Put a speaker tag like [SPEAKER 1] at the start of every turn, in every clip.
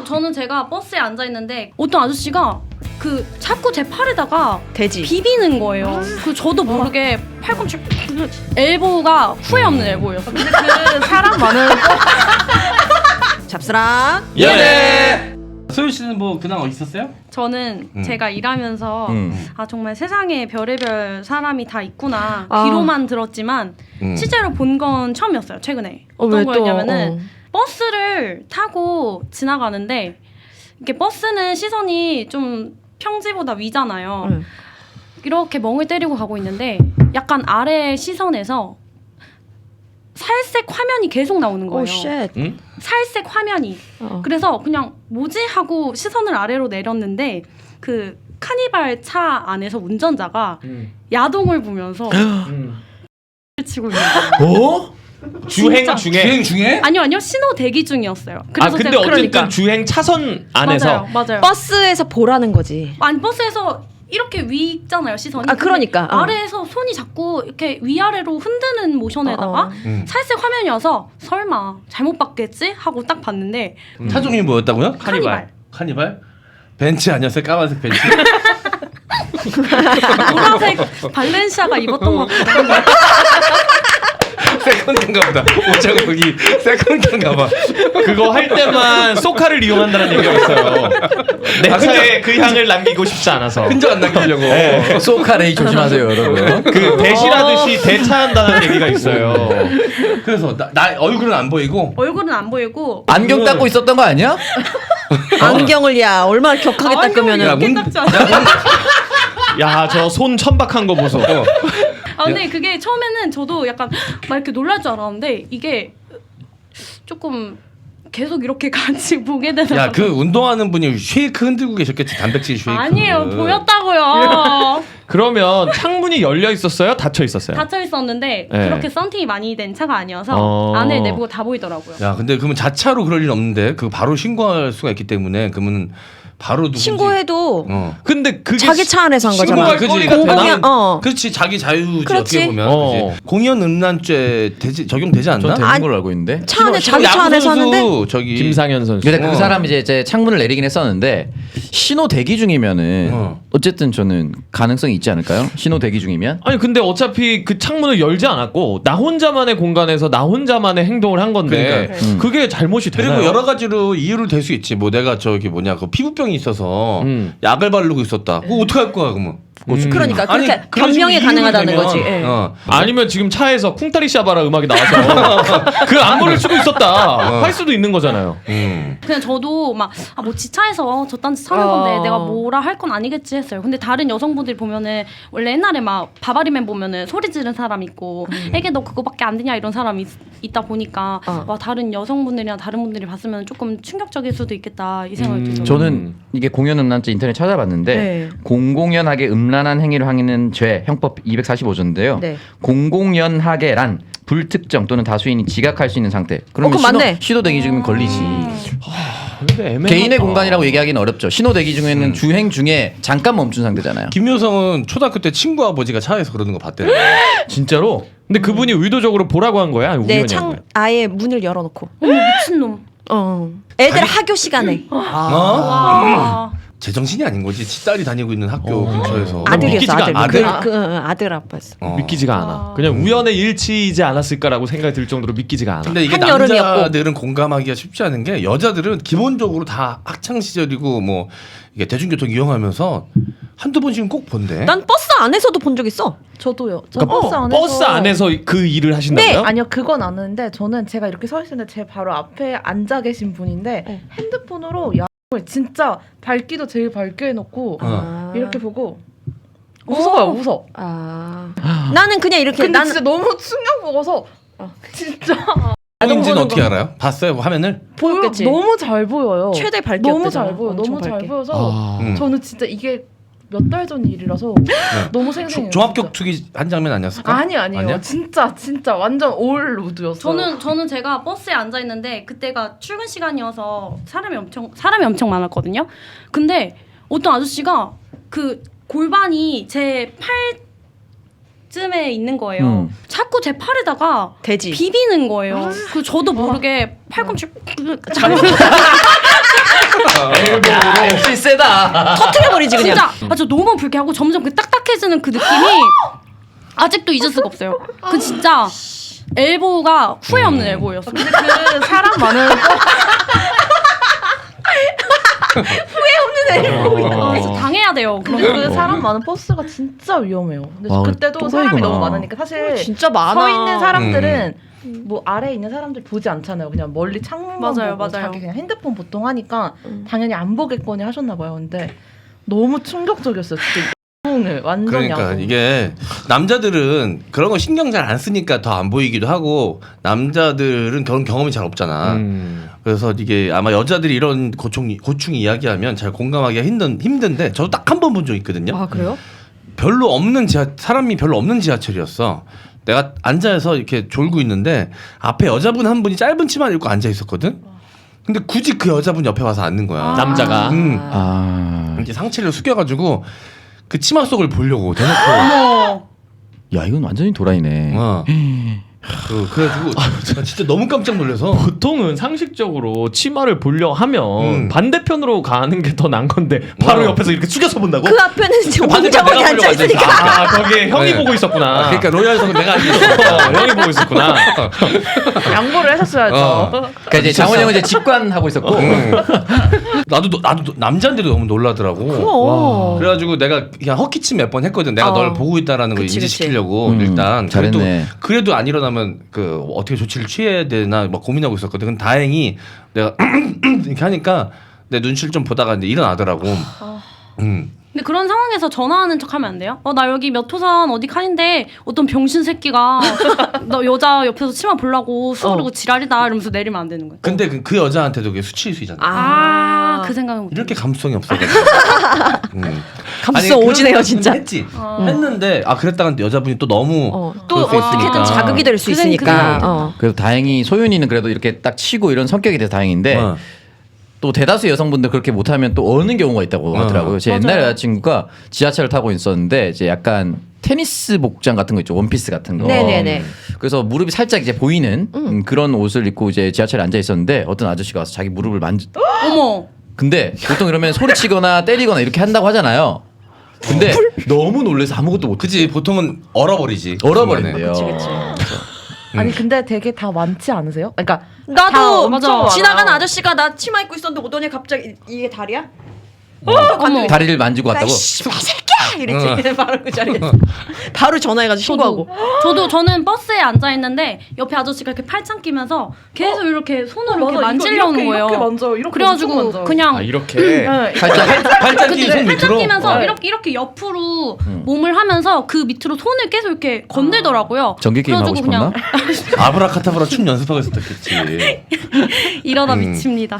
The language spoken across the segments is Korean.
[SPEAKER 1] 저는 제가 버스에 앉아 있는데 어떤 아저씨가 그 자꾸 제 팔에다가
[SPEAKER 2] 돼지
[SPEAKER 1] 비비는 거예요. 그 저도 모르게 팔꿈치 엘보가 후회 없는 엘보였어요.
[SPEAKER 3] 근데 그 사람 많은
[SPEAKER 2] 잡스랑
[SPEAKER 4] 예. 소유 씨는 뭐 근황 있었어요?
[SPEAKER 1] 저는 제가 일하면서 아 정말 세상에 별의별 사람이 다 있구나 귀로만 들었지만 실제로 본 건 처음이었어요. 최근에 어떤 거였냐면은 버스를 타고 지나가는데 이렇게 버스는 시선이 좀 평지보다 위잖아요. 이렇게 멍을 때리고 가고 있는데 약간 아래 시선에서 살색 화면이 계속 나오는 거예요. 살색 화면이. 그래서 그냥 뭐지 하고 시선을 아래로 내렸는데 그 카니발 차 안에서 운전자가 야동을 보면서 치고 있는 거예요.
[SPEAKER 4] 어? 주행 중에?
[SPEAKER 1] 아니요 신호 대기 중이었어요. 그래서
[SPEAKER 4] 근데
[SPEAKER 1] 제가
[SPEAKER 4] 어쨌든 주행 차선 안에서
[SPEAKER 1] 맞아요.
[SPEAKER 2] 버스에서 보라는 거지.
[SPEAKER 1] 아니 버스에서 이렇게 위 있잖아요 시선이.
[SPEAKER 2] 그러니까
[SPEAKER 1] 아래에서 손이 자꾸 이렇게 위아래로 흔드는 모션에다가 살색 화면이어서 설마 잘못 봤겠지 하고 딱 봤는데
[SPEAKER 4] 차 종이 뭐였다고요? 카니발? 벤츠 아니었어요? 까만색 벤츠?
[SPEAKER 1] 노란색 발렌시아가 입었던 것 같기도 한데.
[SPEAKER 4] 세컨드인가 보다. 옷장은 거기 세컨드인가 봐.
[SPEAKER 5] 그거 할 때만 소카를 이용한다는 얘기가 있어요. 내 차에 그 향을 남기고 싶지 않아서.
[SPEAKER 4] 흔적 안 남기려고.
[SPEAKER 5] 네.
[SPEAKER 6] 소카레이 조심하세요, 여러분.
[SPEAKER 5] 그 대시라듯이 대차한다는 얘기가 있어요.
[SPEAKER 4] 그래서 나 얼굴은 안 보이고
[SPEAKER 1] 얼굴은 안 보이고
[SPEAKER 6] 안경 닦고 있었던 거 아니야?
[SPEAKER 2] 안경을 야 얼마나 격하게 닦으면은
[SPEAKER 1] 이렇게 닦지 않아요.
[SPEAKER 5] 야, 저 손 천박한 거 보소.
[SPEAKER 1] 근데 그게 처음에는 저도 약간 막 이렇게 놀랄 줄 알았는데 이게 조금 계속 이렇게 같이 보게 되는.
[SPEAKER 4] 야, 그 운동하는 분이 쉐이크 흔들고 계셨겠지. 단백질 쉐이크.
[SPEAKER 1] 아니에요, 보였다고요.
[SPEAKER 5] 그러면 창문이 열려 있었어요? 닫혀 있었어요?
[SPEAKER 1] 닫혀 있었는데
[SPEAKER 5] 네.
[SPEAKER 1] 그렇게 썬팅이 많이 된 차가 아니어서 안에 내부가 다 보이더라고요.
[SPEAKER 4] 야, 근데 그러면 자차로 그럴 일 없는데 그 바로 신고할 수가 있기 때문에 그러면 바로 누군지
[SPEAKER 2] 신고해도
[SPEAKER 5] 근데 그게
[SPEAKER 2] 자기 차 안에서 한 거잖아.
[SPEAKER 4] 신고할 거리가
[SPEAKER 2] 공공연
[SPEAKER 4] 그렇지, 자기 자유지.
[SPEAKER 2] 그렇지.
[SPEAKER 4] 어떻게 보면 그치? 공연 음란죄 적용되지 않나?
[SPEAKER 6] 전 되는 걸로 알고 있는데.
[SPEAKER 2] 차 안에 자기 차 안에서 하는데
[SPEAKER 4] 저기
[SPEAKER 5] 김상현 선수.
[SPEAKER 6] 근데 그 사람이 이제 창문을 내리긴 했었는데 신호 대기 중이면은 어쨌든 저는 가능성이 있지 않을까요? 신호 대기 중이면?
[SPEAKER 5] 아니 근데 어차피 그 창문을 열지 않았고 나 혼자만의 공간에서 나 혼자만의 행동을 한 건데 그게 잘못이 되나요?
[SPEAKER 4] 그리고 여러 가지로 이유를 댈 수 있지. 뭐 내가 저기 뭐냐 그 피부병이 있어서 약을 바르고 있었다. 그거 어떻게 할 거야 그러면?
[SPEAKER 2] 그러니까
[SPEAKER 4] 아니,
[SPEAKER 2] 그렇게
[SPEAKER 4] 그런
[SPEAKER 2] 변명이
[SPEAKER 4] 식으로
[SPEAKER 2] 가능하다는
[SPEAKER 4] 이유를
[SPEAKER 2] 거지.
[SPEAKER 4] 대면,
[SPEAKER 2] 예.
[SPEAKER 5] 아니면 지금 차에서 쿵타리 샤바라 음악이 나와서 그 안무를 추고 있었다 할 수도 있는 거잖아요.
[SPEAKER 1] 그냥 저도 막 뭐 지차에서 저딴 짓 하는 건데 내가 뭐라 할 건 아니겠지 했어요. 근데 다른 여성분들이 보면은 원래 옛날에 막 바바리맨 보면은 소리 지른 사람 있고 애게 너 그거밖에 안 되냐 이런 사람이 있다 보니까 와 다른 여성분들이나 다른 분들이 봤으면 조금 충격적일 수도 있겠다 이 생각이 들어요.
[SPEAKER 6] 저는 이게 공연 음란죄 인터넷 찾아봤는데
[SPEAKER 2] 네.
[SPEAKER 6] 공공연하게 음란한 행위를 하는 죄 형법 245조인데요.
[SPEAKER 2] 네.
[SPEAKER 6] 공공연하게란 불특정 또는 다수인이 지각할 수 있는 상태. 그러면
[SPEAKER 2] 그럼 맞네.
[SPEAKER 6] 신호 대기 중이면 걸리지.
[SPEAKER 5] 근데 애매하다.
[SPEAKER 6] 개인의 공간이라고 얘기하기는 어렵죠. 신호 대기 중에는 주행 중에 잠깐 멈춘 상태잖아요.
[SPEAKER 4] 김효성은 초등학교 때 친구 아버지가 차에서 그러는 거 봤대요.
[SPEAKER 5] 진짜로? 근데 그분이 의도적으로 보라고 한 거야? 아니면
[SPEAKER 2] 내
[SPEAKER 5] 우연히 한
[SPEAKER 2] 창
[SPEAKER 5] 거야?
[SPEAKER 2] 아예 문을 열어놓고.
[SPEAKER 1] 미친놈.
[SPEAKER 2] 애들 학교 시간에
[SPEAKER 1] 와.
[SPEAKER 4] 제정신이 아닌 거지. 딸이 다니고 있는 학교 근처에서.
[SPEAKER 2] 아들이었어. 아들.
[SPEAKER 4] 아들?
[SPEAKER 2] 아들 아빠였어.
[SPEAKER 5] 믿기지가 않아. 그냥 우연의 일치이지 않았을까라고 생각이 들 정도로 믿기지가 않아.
[SPEAKER 4] 근데 이게
[SPEAKER 2] 한여름이었고.
[SPEAKER 4] 남자들은 공감하기가 쉽지 않은 게 여자들은 기본적으로 다 학창 시절이고 뭐 이게 대중교통 이용하면서 한두 번씩은 꼭 본대.
[SPEAKER 2] 난 버스 안에서도 본 적 있어.
[SPEAKER 3] 저도요. 저
[SPEAKER 5] 그러니까
[SPEAKER 3] 버스 안에서
[SPEAKER 5] 버스 안에서 그 일을 하신다고요?
[SPEAKER 2] 네.
[SPEAKER 3] 아니요 그건 아는데 저는 제가 이렇게 서 있는데 제 바로 앞에 앉아 계신 분인데 핸드폰으로 야을 진짜 밝기도 제일 밝게 해놓고 이렇게 보고 웃어요. 웃어.
[SPEAKER 2] 나는 그냥 이렇게
[SPEAKER 3] 근데
[SPEAKER 2] 난
[SPEAKER 3] 진짜 너무 충격 먹어서 진짜
[SPEAKER 4] 인지는 어떻게 알아요? 봤어요 화면을?
[SPEAKER 2] 보였겠지.
[SPEAKER 3] 너무 잘 보여요.
[SPEAKER 2] 최대 밝기였대잖아.
[SPEAKER 3] 너무 잘 보여.
[SPEAKER 2] 엄청
[SPEAKER 3] 너무 잘
[SPEAKER 2] 밝게.
[SPEAKER 3] 보여서 저는 진짜 이게 몇 달 전 일이라서 너무 생생해요.
[SPEAKER 4] 종합격투기 한 장면 아니었을까?
[SPEAKER 3] 아니에요.
[SPEAKER 4] 아니야?
[SPEAKER 3] 진짜 완전 올 우드였어요.
[SPEAKER 1] 저는 제가 버스에 앉아 있는데 그때가 출근 시간이어서 사람이 엄청 많았거든요. 근데 어떤 아저씨가 그 골반이 제 팔쯤에 있는 거예요. 자꾸 제 팔에다가
[SPEAKER 2] 돼지.
[SPEAKER 1] 비비는 거예요. 그 저도 모르게 팔꿈치
[SPEAKER 6] 역시 세다.
[SPEAKER 2] 터트려버리지 그냥.
[SPEAKER 1] 진짜 저 너무 불쾌하고 점점 그 딱딱해지는 그 느낌이 아직도 잊을 수가 없어요. 그 진짜 엘보가 후회 없는 엘보였어요.
[SPEAKER 3] 근데 그 사람 많은
[SPEAKER 1] 그래서 당해야 돼요. 그런
[SPEAKER 3] 근데
[SPEAKER 1] 거.
[SPEAKER 3] 그 사람 많은 버스가 진짜 위험해요. 근데
[SPEAKER 6] 와,
[SPEAKER 3] 그때도
[SPEAKER 6] 또라이구나.
[SPEAKER 3] 사람이 너무 많으니까 사실
[SPEAKER 2] 진짜 많아.
[SPEAKER 3] 서 있는 사람들은 뭐 아래에 있는 사람들 보지 않잖아요. 그냥 멀리 창문만
[SPEAKER 1] 맞아요,
[SPEAKER 3] 보고
[SPEAKER 1] 맞아요.
[SPEAKER 3] 자기 그냥 핸드폰 보통 하니까 당연히 안 보겠거니 하셨나 봐요. 근데 너무 충격적이었어요. 진짜 야동을 완전
[SPEAKER 4] 그러니까
[SPEAKER 3] 야동.
[SPEAKER 4] 이게 남자들은 그런 거 신경 잘 안 쓰니까 더 안 보이기도 하고 남자들은 그런 경험이 잘 없잖아. 그래서 이게 아마 여자들이 이런 고충 이야기하면 잘 공감하기가 힘든데 저도 딱 한 번 본 적 있거든요.
[SPEAKER 2] 아 그래요?
[SPEAKER 4] 사람이 별로 없는 지하철이었어. 내가 앉아서 이렇게 졸고 있는데 앞에 여자분 한 분이 짧은 치마를 입고 앉아 있었거든. 근데 굳이 그 여자분 옆에 와서 앉는 거야.
[SPEAKER 5] 남자가.
[SPEAKER 4] 이렇게 상체를 숙여가지고 그 치마 속을 보려고 대놓고.
[SPEAKER 6] 야 이건 완전히 도라이네.
[SPEAKER 4] 그래가지고 나 진짜 너무 깜짝 놀라서.
[SPEAKER 5] 보통은 상식적으로 치마를 보려 하면 반대편으로 가는 게 더 난 건데 바로 옆에서 이렇게 숙여서 본다고?
[SPEAKER 2] 그 앞에는 지금
[SPEAKER 4] 반대편
[SPEAKER 2] 공정원이
[SPEAKER 4] 내가 보려고
[SPEAKER 2] 앉아 있으니까.
[SPEAKER 5] 아 거기에 형이
[SPEAKER 4] 네.
[SPEAKER 5] 보고 있었구나.
[SPEAKER 4] 그러니까 로얄석은 내가 앉아있어.
[SPEAKER 5] 형이 보고 있었구나.
[SPEAKER 3] 양보를 하셨어야죠.
[SPEAKER 6] 그러니까 이제 장원 형은 이제 직관하고 있었고.
[SPEAKER 4] 나도 남자인데도 너무 놀라더라고.
[SPEAKER 2] 그럼.
[SPEAKER 4] 그래가지고 내가 그냥 헛기침 몇 번 했거든. 내가 널 보고 있다라는 걸
[SPEAKER 2] 그치,
[SPEAKER 4] 인지시키려고 일단.
[SPEAKER 6] 잘했네.
[SPEAKER 4] 그래도 안 일어나면 그 어떻게 조치를 취해야 되나 막 고민하고 있었거든. 근데 다행히 내가 이렇게 하니까 내 눈치를 좀 보다가 이제 일어나더라고.
[SPEAKER 1] 근데 그런 상황에서 전화하는 척하면 안 돼요? 나 여기 몇 호선 어디 칸인데 어떤 병신 새끼가 너 여자 옆에서 치마 보려고 수그르고 지랄이다 이러면서 내리면 안 되는 거예요.
[SPEAKER 4] 근데 그 여자한테도 그게 수치수이잖아.
[SPEAKER 1] 그 생각은 못.
[SPEAKER 4] 이렇게 감수성이 없어가지고.
[SPEAKER 2] 감수성 오지네요 진짜.
[SPEAKER 4] 했지. 했는데 그랬다가 여자분이 또 너무
[SPEAKER 2] 또
[SPEAKER 4] 그럴 수
[SPEAKER 2] 어떻게든
[SPEAKER 4] 있으니까.
[SPEAKER 2] 자극이 될 수 있으니까.
[SPEAKER 6] 그래도 다행히 소윤이는 그래도 이렇게 딱 치고 이런 성격이 돼서 다행인데
[SPEAKER 4] 어.
[SPEAKER 6] 또 대다수 여성분들 그렇게 못하면 또 어는 경우가 있다고 하더라고요. 제 옛날
[SPEAKER 1] 맞아요.
[SPEAKER 6] 여자친구가 지하철을 타고 있었는데 이제 약간 테니스 복장 같은 거 있죠. 원피스 같은 거.
[SPEAKER 2] 네네네.
[SPEAKER 6] 그래서 무릎이 살짝 이제 보이는 그런 옷을 입고 이제 지하철에 앉아 있었는데 어떤 아저씨가 와서 자기 무릎을
[SPEAKER 1] 어머.
[SPEAKER 6] 근데 보통 이러면 소리치거나 때리거나 이렇게 한다고 하잖아요. 근데 너무 놀라서 아무것도 못
[SPEAKER 4] 그지 보통은 얼어버리지.
[SPEAKER 6] 얼어버린대요.
[SPEAKER 3] 아니 근데 되게 다 많지 않으세요? 그러니까
[SPEAKER 2] 나도
[SPEAKER 3] 엄청
[SPEAKER 2] 지나가는
[SPEAKER 3] 많아요.
[SPEAKER 2] 아저씨가 나 치마 입고 있었는데 오더니 갑자기 이게 다리야?
[SPEAKER 1] 어머.
[SPEAKER 6] 다리를 만지고 왔다고?
[SPEAKER 2] 새끼야 이랬지. 바로 그 자리에서 바로 전화해가지고 신고하고.
[SPEAKER 1] 저는 버스에 앉아 있는데 옆에 아저씨가 이렇게 팔짱 끼면서 계속 이렇게 손으로 이렇게
[SPEAKER 3] 맞아,
[SPEAKER 1] 만지려는
[SPEAKER 3] 이렇게,
[SPEAKER 1] 거예요.
[SPEAKER 3] 이렇게 만져요. 이렇게 엄청
[SPEAKER 1] 그래가지고
[SPEAKER 3] 만져요.
[SPEAKER 1] 그냥
[SPEAKER 5] 이렇게.
[SPEAKER 3] 네.
[SPEAKER 4] 팔짱 끼 손
[SPEAKER 1] 팔짱
[SPEAKER 4] 밑으로.
[SPEAKER 1] 끼면서
[SPEAKER 3] 네.
[SPEAKER 1] 이렇게 옆으로 몸을 하면서 그 밑으로 손을 계속 이렇게 건들더라고요.
[SPEAKER 6] 전기 게임 하고
[SPEAKER 1] 그래가지고
[SPEAKER 6] 싶었나?
[SPEAKER 1] 그냥
[SPEAKER 4] 아브라카타브라 춤 연습하고 있었겠지.
[SPEAKER 1] 이러다 미칩니다.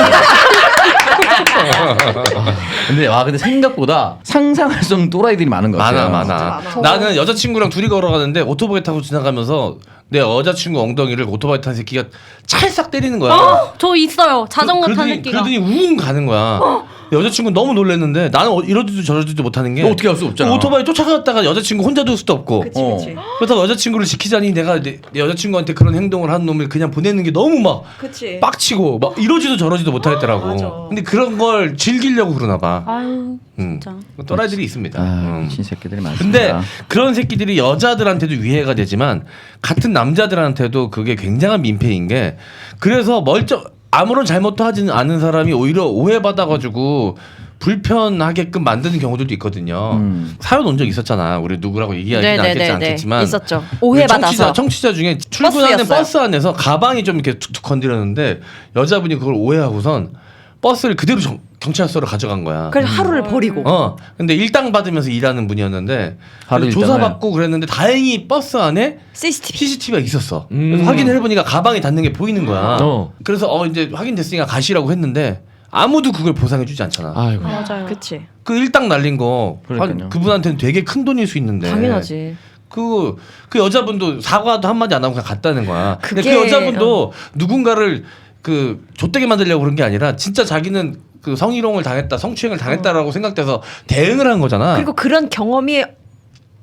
[SPEAKER 6] 근데 생각보다 상상할 수 없는 또라이들이 많은 것 같아요.
[SPEAKER 4] 많아. 나는 여자친구랑 둘이 걸어가는데 오토바이 타고 지나가면서 내 여자친구 엉덩이를 오토바이 탄 새끼가 찰싹 때리는 거야.
[SPEAKER 1] 저 있어요. 자전거 탄
[SPEAKER 4] 그러더니-
[SPEAKER 1] 새끼가.
[SPEAKER 4] 그러더니 우웅 가는 거야. 여자친구 너무 놀랐는데 나는 이러지도 저러지도 못하는 게
[SPEAKER 6] 어떻게 할 수 없잖아.
[SPEAKER 4] 오토바이 쫓아갔다가 여자친구 혼자 둘 수도 없고.
[SPEAKER 2] 그치 그치.
[SPEAKER 4] 그래서 여자친구를 지키자니 내가 내 여자친구한테 그런 행동을 하는 놈을 그냥 보내는 게 너무 막
[SPEAKER 2] 그치.
[SPEAKER 4] 빡치고 막 이러지도 저러지도 못하겠더라고.
[SPEAKER 2] 맞아.
[SPEAKER 4] 근데 그런 걸 즐기려고 그러나 봐.
[SPEAKER 1] 아유 진짜.
[SPEAKER 4] 또라이들이 있습니다.
[SPEAKER 6] 미친 새끼들이 많습니다.
[SPEAKER 4] 근데 그런 새끼들이 여자들한테도 위해가 되지만 같은 남자들한테도 그게 굉장한 민폐인 게 그래서 아무런 잘못도 하지는 않은 사람이 오히려 오해받아가지고 불편하게끔 만드는 경우들도 있거든요. 사연 온 적 있었잖아. 우리 누구라고 얘기하지는
[SPEAKER 2] 네네네네.
[SPEAKER 4] 않겠지만
[SPEAKER 2] 있었죠.
[SPEAKER 4] 우리
[SPEAKER 2] 오해받아서.
[SPEAKER 4] 청취자 중에 출근하는
[SPEAKER 2] 버스였어요.
[SPEAKER 4] 버스 안에서 가방이 좀 이렇게 툭툭 건드렸는데 여자분이 그걸 오해하고선 버스를 그대로 경찰서로 가져간 거야.
[SPEAKER 2] 그래서 하루를 버리고.
[SPEAKER 4] 근데 일당 받으면서 일하는 분이었는데
[SPEAKER 6] 하루
[SPEAKER 4] 그래서
[SPEAKER 6] 일당을?
[SPEAKER 4] 조사받고 그랬는데 다행히 버스 안에 CCTV가 있었어. 그래서 확인을 해보니까 가방이 닿는 게 보이는 거야. 그래서 이제 확인됐으니까 가시라고 했는데 아무도 그걸 보상해주지 않잖아.
[SPEAKER 5] 아이고.
[SPEAKER 1] 맞아요.
[SPEAKER 2] 그치.
[SPEAKER 4] 그 일당 날린 거
[SPEAKER 6] 그러니까요.
[SPEAKER 4] 그분한테는 되게 큰 돈일 수 있는데.
[SPEAKER 2] 당연하지.
[SPEAKER 4] 그 여자분도 사과도 한마디 안 하고 그냥 갔다는 거야. 근데 그
[SPEAKER 2] 그게-
[SPEAKER 4] 여자분도 누군가를 그 좆되게 만들려고 그런 게 아니라 진짜 자기는 그 성희롱을 당했다, 성추행을 당했다라고 생각돼서 대응을 한 거잖아.
[SPEAKER 2] 그리고 그런 경험이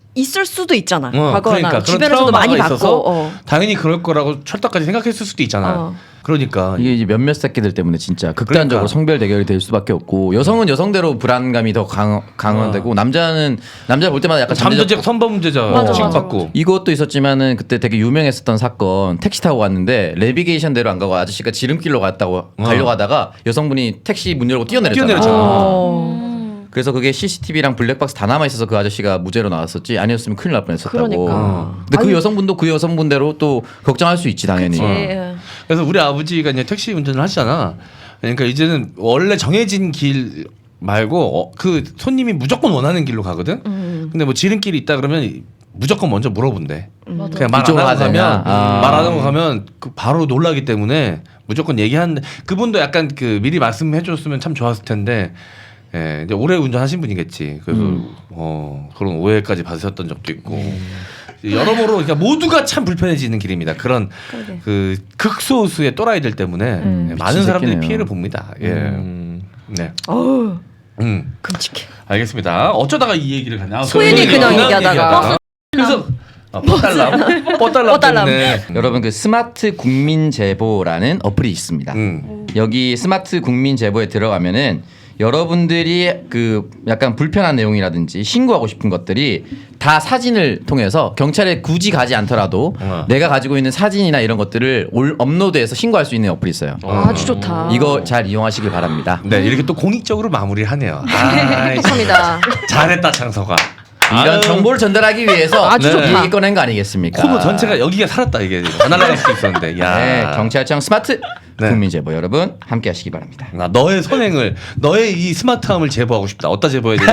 [SPEAKER 2] 있을 수도 있잖아. 과거나
[SPEAKER 4] 그러니까 그런
[SPEAKER 2] 주변에서도 많이
[SPEAKER 4] 트라우마가 있어서
[SPEAKER 2] 봤고.
[SPEAKER 4] 당연히 그럴 거라고 철떡까지 생각했을 수도 있잖아. 그러니까
[SPEAKER 6] 이게 이제 몇몇 새끼들 때문에 진짜 극단적으로
[SPEAKER 4] 그러니까.
[SPEAKER 6] 성별 대결이 될 수밖에 없고 여성은 여성대로 불안감이 더 강화되고 남자는 남자 볼 때마다 약간
[SPEAKER 4] 잠재적 선범죄자 취급받고
[SPEAKER 6] 이것도 있었지만은 그때 되게 유명했었던 사건 택시 타고 갔는데 내비게이션대로 안 가고 아저씨가 지름길로 가려고 하다가 여성분이 택시 문 열고 뛰어내렸잖아. 그래서 그게 CCTV랑 블랙박스 다 남아 있어서 그 아저씨가 무죄로 나왔었지 아니었으면 큰일 날 뻔했었다고.
[SPEAKER 2] 그러니까.
[SPEAKER 6] 근데 그 여성분도 그 여성분대로 또 걱정할 수 있지 당연히.
[SPEAKER 4] 그래서 우리 아버지가 이제 택시 운전을 하시잖아. 그러니까 이제는 원래 정해진 길 말고 그 손님이 무조건 원하는 길로 가거든. 근데 뭐 지름길이 있다 그러면 무조건 먼저 물어본대. 그냥 말 안
[SPEAKER 6] 이쪽으로
[SPEAKER 4] 하고
[SPEAKER 6] 가자.
[SPEAKER 4] 가면
[SPEAKER 6] 아.
[SPEAKER 4] 말 안 하고 가면 그 바로 놀라기 때문에 무조건 얘기하는데 그분도 약간 그 미리 말씀해줬으면 참 좋았을 텐데. 예, 이제 오래 운전하신 분이겠지. 그래서 그런 오해까지 받으셨던 적도 있고 여러모로 그러니까 모두가 참 불편해지는 길입니다. 그런 그 극소수의 또라이들 때문에 많은 사람들이
[SPEAKER 6] 새끼네요.
[SPEAKER 4] 피해를 봅니다. 예, 네.
[SPEAKER 2] 어우,
[SPEAKER 4] 끔찍해. 알겠습니다. 어쩌다가 이 얘기를 가냐?
[SPEAKER 2] 소연이 그냥 얘기하다가.
[SPEAKER 4] 그래서 뻗달람 때문에
[SPEAKER 6] 여러분 그 스마트 국민 제보라는 어플이 있습니다. 여기 스마트 국민 제보에 들어가면은 여러분들이 그 약간 불편한 내용이라든지 신고하고 싶은 것들이 다 사진을 통해서 경찰에 굳이 가지 않더라도 내가 가지고 있는 사진이나 이런 것들을 업로드해서 신고할 수 있는 어플이 있어요.
[SPEAKER 2] 아주 좋다.
[SPEAKER 6] 이거 잘 이용하시길 바랍니다.
[SPEAKER 4] 네, 이렇게 또 공익적으로 마무리를 하네요.
[SPEAKER 2] 감사합니다.
[SPEAKER 4] 잘했다 창서가.
[SPEAKER 6] 이런 정보를 전달하기 위해서
[SPEAKER 2] 아주
[SPEAKER 6] 이
[SPEAKER 2] 좋다.
[SPEAKER 6] 얘기 꺼낸 거 아니겠습니까?
[SPEAKER 4] 코너 전체가 여기가 살았다 이게 다 날아갈 수 있었는데. 야.
[SPEAKER 6] 네, 경찰청 스마트
[SPEAKER 4] 네.
[SPEAKER 6] 국민 제보 여러분 함께 하시기 바랍니다.
[SPEAKER 4] 나 너의 선행을 너의 이 스마트함을 제보하고 싶다. 어디다 제보해야 되지?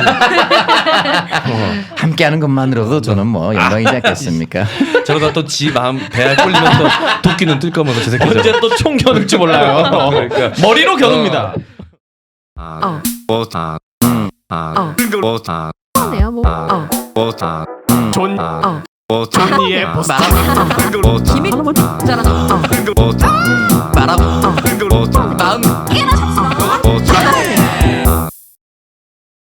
[SPEAKER 6] 함께하는 것만으로도 저는 뭐 영광이지 않겠습니까?
[SPEAKER 4] 저러다 또 지 마음 배알 꼴리면 또 도끼는 뜰 거면서 저 새끼
[SPEAKER 5] 언제 또 총 겨눌지 몰라요. 머리로 겨눕니다.
[SPEAKER 2] 네요 뭐.
[SPEAKER 5] 존니의 보스.
[SPEAKER 2] 기믹 잘하는.
[SPEAKER 6] 마음